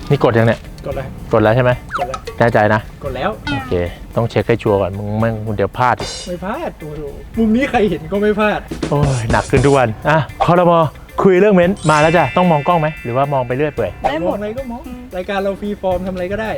นี่กดยังเนี่ยกดแล้วใช่ไหมกดแล้วแน่ใจนะกดแล้วโอเคต้องเช็คให้ชัวร์ก่อนมึงเดี๋ยวพลาดไม่พลาดโอ้โหมุมนี้ใครเห็นก็ไม่พลาดโอ้ยหนักขึ้นทุกวันอ่ะครม.คุยเรื่องเม้นมาแล้วจ้ะต้องมองกล้องไหมหรือว่ามองไปเรื่อยเปื่อยได้หมดอะไรก็มองรายการเราฟรีฟอร์มทำอะไรก็ได้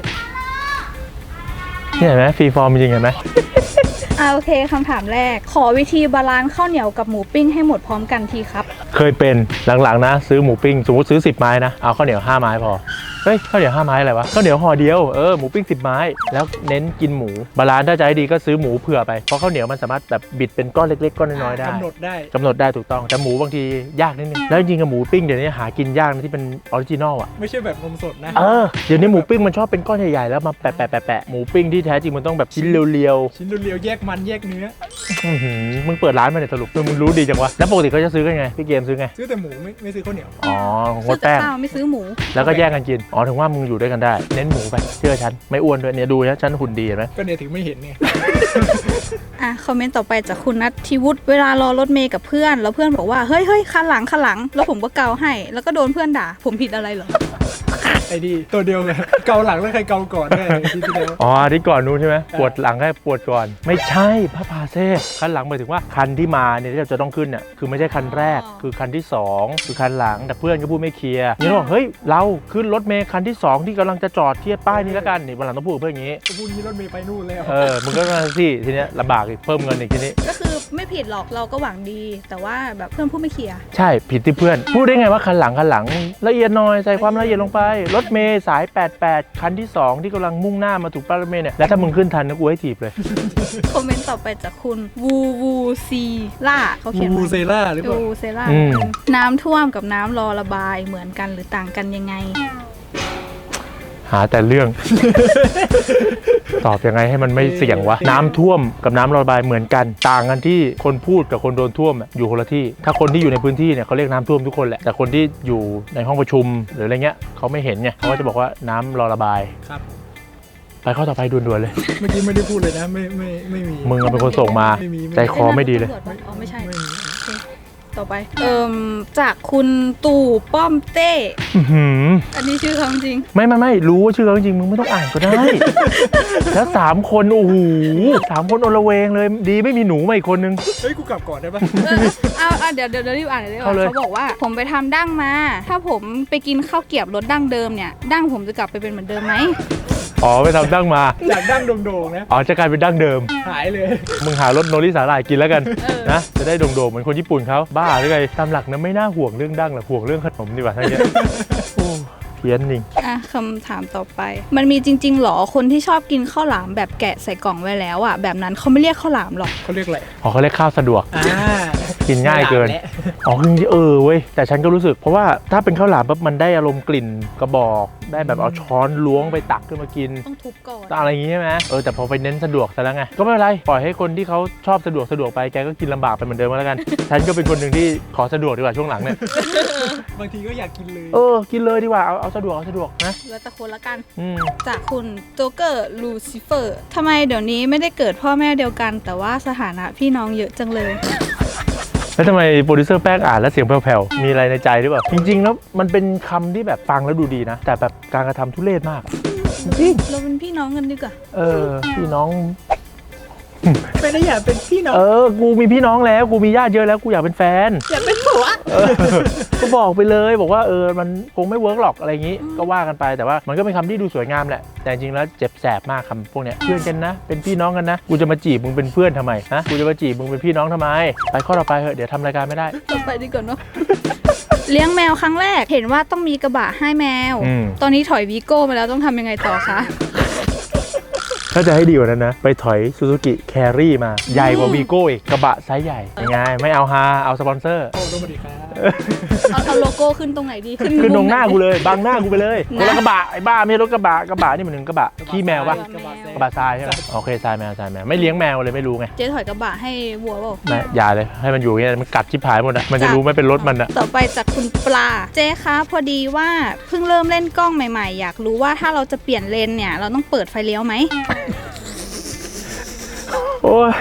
นี่เห็นไหมฟรีฟอร์มจริงเห็นไหมโอเคคำถามแรกขอวิธีบาลานซ์ข้าวเหนียวกับหมูปิ้งให้หมดพร้อมกันทีครับเคยเป็นหลังๆนะซื้อหมูปิ้งสมมติซื้อ10 ไม้นะเอาข้าวเหนียว5 ไม้พอเฮ้ยข้าวเหนียว5 ไม้อะไรวะข้าวเหนียวห่อเดียวหมูปิ้ง10 ไม้แล้วเน้นกินหมูบาลานซ์ถ้าจะให้ดีก็ซื้อหมูเผื่อไปเพราะข้าวเหนียวมันสามารถแบบบิดเป็นก้อนเล็กๆก้อนน้อยๆได้กำหนดได้ถูกต้องแต่หมูบางทียากนิดนึงแล้วจริงๆกับหมูปิ้งเดี๋ยวนี้หากินยากนะที่เป็นออริจินอลอ่ะไม่ใช่แบบนมสดนะเดี๋ยวนี้หมูปิ้งมันชอบเป็นก้อนใหญ่ๆแล้วมาแปะหมูปิ้งที่แท้จริงมันต้องแบบชิ้นเรียวๆแยกมันแยกเนื้อมึงเปิดร้านมาเนี่ยสรุปมึงรู้ดีจังวะแล้วปกติเขาจะซื้อกันไงพี่เกมซื้อไงซื้อแต่หมูไม่ซื้อข้าวเหนียวงดแป้งไม่ซื้อหมูแล้วก็แยกกันกินถึงว่ามึงอยู่ด้วยกันได้เน้นหมูไปเชื่อฉันไม่อ้วนด้วยเนี่ยดูนะฉันหุ่นดีเห็นไหมก็เนี่ยถึงไม่เห็นเนี่ยคอมเมนต์ต่อไปจากคุณนัทธิวุฒิเวลารอรถเมย์กับเพื่อนแล้วเพื่อนบอกว่าเฮ้ยคันหลังแล้วผมก็เกาให้แล้วก็โดนเพื่อนด่าผมผิดอะไรเหรอไอ้ดีตัวเดียวเลยเกาหลังแล้วใครเกาก่อนได้ที่เดียวที่ก่อนนู้นใช่ไหมปวดหลังให้ปวดก่อนไม่ใช่พระพาเซ่คันหลังหมายถึงว่าคันที่มาเนี่ยที่เราจะต้องขึ้นเนี่ยคือไม่ใช่คันแรกคือคันที่2คือคันหลังแต่เพื่อนก็พูดไม่เคลียร์นี่บอกเฮ้ยเราขึ้นรถเมย์คันที่2ที่กำลังจะจอดเทียบป้ายนี้แล้วกันนี่วันหลังต้องพูดเพื่อนอย่างนี้พูดนี้รถเมย์ไปนู่นแล้วมึงก็มาสิทีเนี้ยลำบากอีกเพิ่มเงินอีกทีนี้ก็คือไม่ผิดหรอกเราก็หวังดีแต่ว่าแบบเพื่อนพูดไม่เคลียร์ใช่ผิดที่เพื่อนพูดได้ไงว่าคันหลังละเอียดหน่อยใส่ความละเอียดลงไปรถเมย์สาย88คันที่2ที่กำลังมุ่งหน้ามาถูกป้ายรถเมย์เนี่ยแล้วถ้ามึงขึ้นทันนะกูให้ถีบเลยคอมเมนต์ต่อไปจากคุณวูซีล่าเขาเขียนวูเซล่าหรือเปล่าวูเซล่าน้ำท่วมกับน้ำรอระบายเหมือนกันหรือต่างกันยังไงหาแต่เรื่อง ตอบยังไงให้มันไม่เสี่ยงวะน้ำท่วมกับน้ำระบายเหมือนกันต่างกันที่คนพูดกับคนโดนท่วมอยู่คนละที่ถ้าคนที่อยู่ในพื้นที่เนี่ยเขาเรียกน้ำท่วมทุกคนแหละแต่คนที่อยู่ในห้องประชุมหรืออะไรเงี้ยเขาไม่เห็นไงเขาก็จะบอกว่าน้ำรอระบายครับไปข้อต่อไปด่วนๆเลยเมื่อกี้ไม่ได้พูดเลยนะไม่มีมึงเป็นคนส่งมาใจคอไม่ดีเลยไม่ใช่ต่อไปจากคุณตู่ป้อมเต้อันนี้ชื่อเขาจริงไม่รู้ว่าชื่อเขาจริงมึงไม่ต้องอ่านก็ได้แล้ว3 คนโอ้โห3 คนอลเวงเลยดีไม่มีหนูมาอีกคนนึงเฮ้ยกูกลับก่อนได้ปะเดี๋ยวรีบอ่านเลยเขาบอกว่าผมไปทำดั้งมาถ้าผมไปกินข้าวเกรี๊ยวรสดั้งเดิมเนี่ยดั้งผมจะกลับไปเป็นเหมือนเดิมไหมไปทำดั้งมาจากดั้งโด่งๆนะจะกลายเป็นดั้งเดิมหายเลยมึงหารสโนริสาหร่ายกินแล้วกันนะจะได้โด่งๆเหมือนคนญี่ปุ่นเขาบ้าหรือไงตามหลักนะไม่น่าห่วงเรื่องดั้งหรอกห่วงเรื่องขนมดีกว่าทั้งนี้เพี้ยนจริงคำถามต่อไปมันมีจริงๆหรอคนที่ชอบกินข้าวหลามแบบแกะใส่กล่องไว้แล้วแบบนั้นเขาไม่เรียกข้าวหลามหรอกเขาเรียกอะไรเขาเรียกข้าวสะดวกกินง่ายเกินคือเว้ยแต่ฉันก็รู้สึกเพราะว่าถ้าเป็นข้าวหลามปั๊บมันได้อารมณ์กลิ่นกระบอกได้แบบเอาช้อนล้วงไปตักขึ้นมากินต้องทุบก่อนอะไรอย่างงี้ใช่ไหมแต่พอไปเน้นสะดวกซะแล้วไงก็ไม่เป็นไรปล่อยให้คนที่เขาชอบสะดวกไปแกก็กินลำบากไปเหมือนเดิมแล้วกันฉันก็เป็นคนหนึ่งที่ขอสะดวกดีกว่าช่วงหลังเนี่ยบางทีก็อยากกินเลยกินเลยดีกว่าเอาสะดวกนะแล้วแต่คนละกันจากคุณโจ๊กเกอร์ลูซิเฟอร์ทำไมเดี๋ยวนี้ไม่ได้เกิดพ่อแม่เดียวกันแต่ว่าสถานะพี่น้องเยอะจังเลยแล้วทำไมโปรดิวเซอร์แป้งอ่านแล้วเสียงแผ่วๆมีอะไรในใจหรือเปล่าจริงๆแล้วมันเป็นคำที่แบบฟังแล้วดูดีนะแต่แบบการกระทำทุเรศมากจริงเราเป็นพี่น้องกันดีกว่าพี่น้องไม่ได้อยากเป็นพี่น้องกูมีพี่น้องแล้วกูมีญาติเยอะแล้วกูอยากเป็นแฟนอยากเป็นผัวก็บอกไปเลยบอกว่ามันคงไม่เวิร์กหรอกอะไรอย่างนี้ก็ว่ากันไปแต่ว่ามันก็เป็นคำที่ดูสวยงามแหละแต่จริงแล้วเจ็บแสบมากคำพวกเนี้ยเพื่อนกันนะเป็นพี่น้องกันนะกูจะมาจีบมึงเป็นเพื่อนทำไมนะกูจะมาจีบมึงเป็นพี่น้องทำไมไปข้อต่อไปเถอะเดี๋ยวทำรายการไม่ได้ต่อไปดีกว่าเนาะเลี้ยงแมวครั้งแรกเห็นว่าต้องมีกระบะให้แมวตอนนี้ถอยวีโก้มาแล้วต้องทำยังไงต่อคะถ้าจะให้ดีกว่านั้นนะไปถอยซูซูกิแครี่มาใหญ่กว่าวีโก้อีกกระบะไซส์ใหญ่ยังไงไม่เอาฮาเอาสปอนเซอร์สวัสดีครับเอาโลโก้ขึ้นตรงไหนดีขึ้นตรงหน้ากูเลยบังหน้ากูไปเลยคนละกระบะไอ้บ้าไม่ใช่รถกระบะนี่มันหนึ่งกระบะขี้แมวปะกระบะทรายใช่ไหมโอเคทรายแมวไม่เลี้ยงแมวเลยไม่รู้ไงเจ๊ถอยกระบะให้วัวเปล่าไม่อย่าเลยให้มันอยู่อย่างนี้มันกัดชิบหายหมดอ่ะมันจะรู้ไม่เป็นรถมันอ่ะต่อไปจากคุณปลาเจ๊คะพอดีว่าเพิ่งเริ่มเล่นกล้องใหม่ๆอยากรู้ว่าถ้าเราจะเปลี่ยนเลนเนี่ยเราต้องเปิดไฟเลี้ยวไหมโอ้ย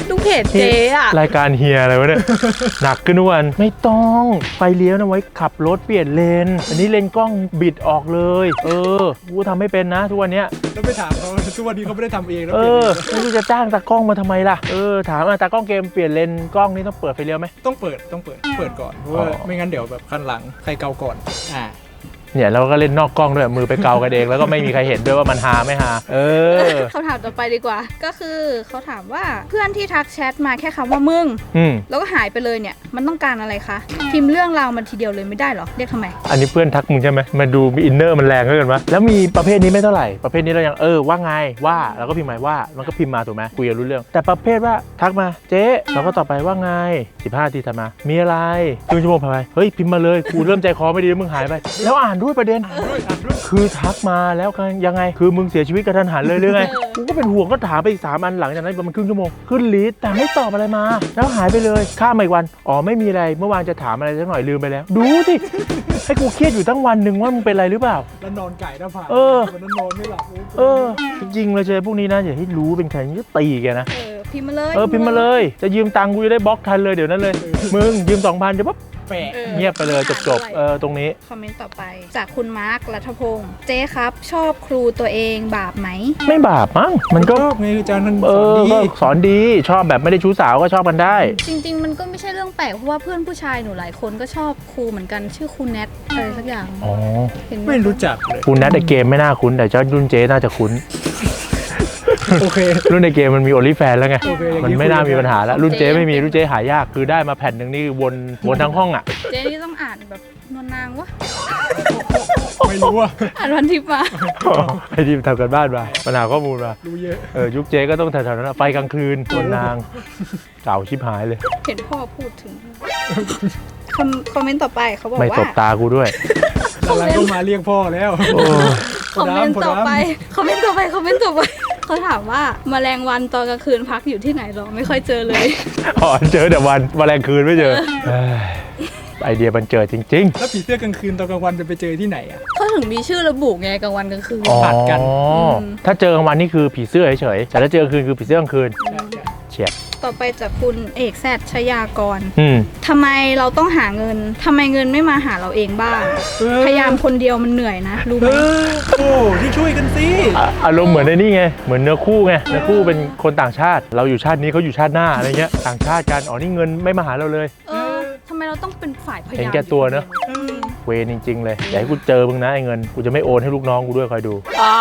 ดูเพจเจ๊อะรายการเฮียอะไรวะเนี่ย หนักขึ้นทุกวันไม่ต้องไฟเลี้ยวนะไว้ขับรถเปลี่ยนเลนอันนี้เลนกล้องบิดออกเลยกูทำไม่เป็นนะทุกวันเนี้ยแล้วไปถามเขาทุกวันนี้เขาไม่ได้ทำเองแล้วไม่รู้จะจ้างตากล้องมาทำไมล่ะถามตากล้องเกมเปลี่ยนเลนกล้องนี่ต้องเปิดไฟเลี้ยวไหมต้องเปิดก่อนเพราะว่าไม่งั้นเดี๋ยวแบบคันหลังใครเกาก่อนเนี่ยเราก็เล่นนอกกล้องด้วยมือไปเกากันเองแล้วก็ไม่มีใครเห็นด้วยว่ามันหาไม่หาคำถามต่อไปดีกว่า ก็คือเขาถามว่าเพื่อนที่ทักแชทมาแค่คำว่ามึงแล้วก็หายไปเลยเนี่ยมันต้องการอะไรคะพิมพ์เรื่องราวมันทีเดียวเลยไม่ได้หรอเรียกทำไมอันนี้เพื่อนทักมึงใช่ไหมมาดูมีอินเนอร์มันแรงเกินวะแล้วมีประเภทนี้ไม่เท่าไหร่ประเภทนี้เรายังว่าไงว่าเราก็พิมพ์หมายว่ามันก็พิมพ์มาถูกไหมคุยกันรู้เรื่องแต่ประเภทว่าทักมาเจ๊เราก็ตอบไปว่าไง15 นาทีถัดมามีอะไรครึ่งชั่วโมงผ่านไปเฮ้ยพิมพ์มาเลยกูเริ่มใจคอไม่ดีมึงหายไปแล้วอ่านด้วยประเด็นคือทักมาแล้วยังไงคือมึงเสียชีวิตกระทันหันเลยหรือไงกูก็เป็นห่วงก็ถามไปอีก3 อันหลังจากนั้นประมาณครึ่งชั่วโมงขึ้นลิสต์แต่ไม่ตอบอะไรมาแล้วหายไปเลยข้ามมาอีกวันไม่มีอะไรเมื่อวานจะถามอะไรสักหน่อยลืมไปแล้วดูสิให้กูเครียดอยู่ทั้งวันหนึ่งว่ามึงเป็นอะไรหรือเปล่าแล้วนอนไก่หน้าผากวันนั้นนอนไม่หลับจริงๆเลยเจอพวกนี้นะอย่าให้รู้เป็นใครนี่ตีแกนะพิมพ์มาเลยพิมพ์มาเลยจะยืมตังค์กูจะได้บล็อกทันเลยเดี๋ยวนั้นเลยมึงยืม 2,000 เดี๋ยวปั๊บเงียบไปเลยจบตรงนี้คอมเมนต์ต่อไปจากคุณมาร์ครัฐพงศ์เจ๊ครับชอบครูตัวเองบาปไหมไม่บาปมั้งมันก็ไงอาจารย์มันสอนดีชอบแบบไม่ได้ชู้สาวก็ชอบกันได้จริงๆมันก็ไม่ใช่เรื่องแปลกเพราะว่าเพื่อนผู้ชายหนูหลายคนก็ชอบครูเหมือนกันชื่อครูแนทอะไรสักอย่างไม่รู้จักเลยครูแนทในเกมไม่น่าคุ้นแต่เจ้ารุ่นเจ๊น่าจะคุ้นโอเครุ่นในเกมมันมีโอลิแฟนแล้วไงมันไม่น่ามีปัญหาแล้วรุ่นเจ๊ไม่มีรุ่นเจ๊หายากคือได้มาแผ่นหนึ่งนี่วนทั้งห้องอ่ะเจ๊นี่ต้องอ่านแบบนวลนางวะไม่รู้อ่ะอ่านวันทิพย์มาไอ้ที่ทำกันบ้านมาปัญหาข้อมูลมารู้เยอะยุคเจ๊ก็ต้องแถวๆนั้นไฟกลางคืนนวลนางเก่าชิบหายเลยเห็นพ่อพูดถึงคอมเมนต์ต่อไปเขาบอกว่าไม่ตบตากูด้วยอะไรก็มาเรียกพ่อแล้วคอมเมนต์ต่อไปเขาถามว่าแมลงวันตอนกลางคืนพักอยู่ที่ไหนหรอไม่ค่อยเจอเลยเจอแต่วันแมลงคืนไม่เจอไอเดียมันเจอจริงๆแล้วผีเสื้อกลางคืนตอนกลางวันจะไปเจอที่ไหนอ่ะเขาถึงมีชื่อระบุไงกลางวันกลางคืนผัดกันถ้าเจอกลางวันนี่คือผีเสื้อเฉยๆแต่ถ้าเจอกลางคืนคือผีเสื้อกลางคืนเฉียดต่อไปจากคุณเอกแซดชยากรทำไมเราต้องหาเงินทำไมเงินไม่มาหาเราเองบ้างพยายามคนเดียวมันเหนื่อยนะรู้ไหมที่ช่วยกันสิอารมณ์เหมือนในนี่ไงเหมือนเนื้อคู่ไงเนื้อคู่เป็นคนต่างชาติเราอยู่ชาตินี้เขาอยู่ชาติหน้าอะไรเงี้ยต่างชาติกันนี่เงินไม่มาหาเราเลยทำไมเราต้องเป็นฝ่ายพยายามเห็นแก่ตัวเนอะเวรจริงๆเลยอย่าให้กูเจอมึงนะไอ้เงินกูจะไม่โอนให้ลูกน้องกูด้วยคอยดู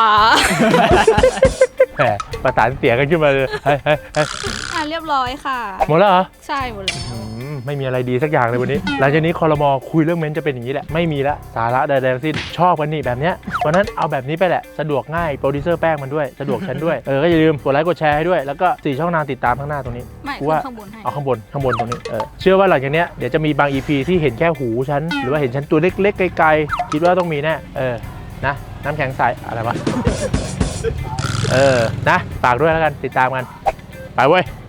แหมประสานเสียกันขึ้นมาเลยเรียบร้อยค่ะหมดแล้วเหรอใช่หมดแล้วไม่มีอะไรดีสักอย่างเลยวันนี้หลังจากนี้ครม.คุยเรื่องเม้นจะเป็นอย่างนี้แหละไม่มีละสาระใดๆทั้งสิ้นชอบกันนี่แบบเนี้ยวันนั้นเอาแบบนี้ไปแหละสะดวกง่ายโปรดิวเซอร์แป้งมันด้วยสะดวกฉันด้วยก็อย่าลืมกดไลค์กดแชร์ให้ด้วยแล้วก็4 ช่องทางติดตามข้างหน้าตรงนี้ว่าข้างบนให้เอาข้างบนตรงนี้เชื่อว่าหลังจากเนี้ยเดี๋ยวจะมีบาง EP ที่เห็นแค่หูฉันหรือว่าเห็นฉันตัวเล็กๆไกลๆคิดว่าต้องมีแน่นะน้ำแข็งใสอะไรวะนะฝากด้วยแล้วกันติดตามกันไปเว้ย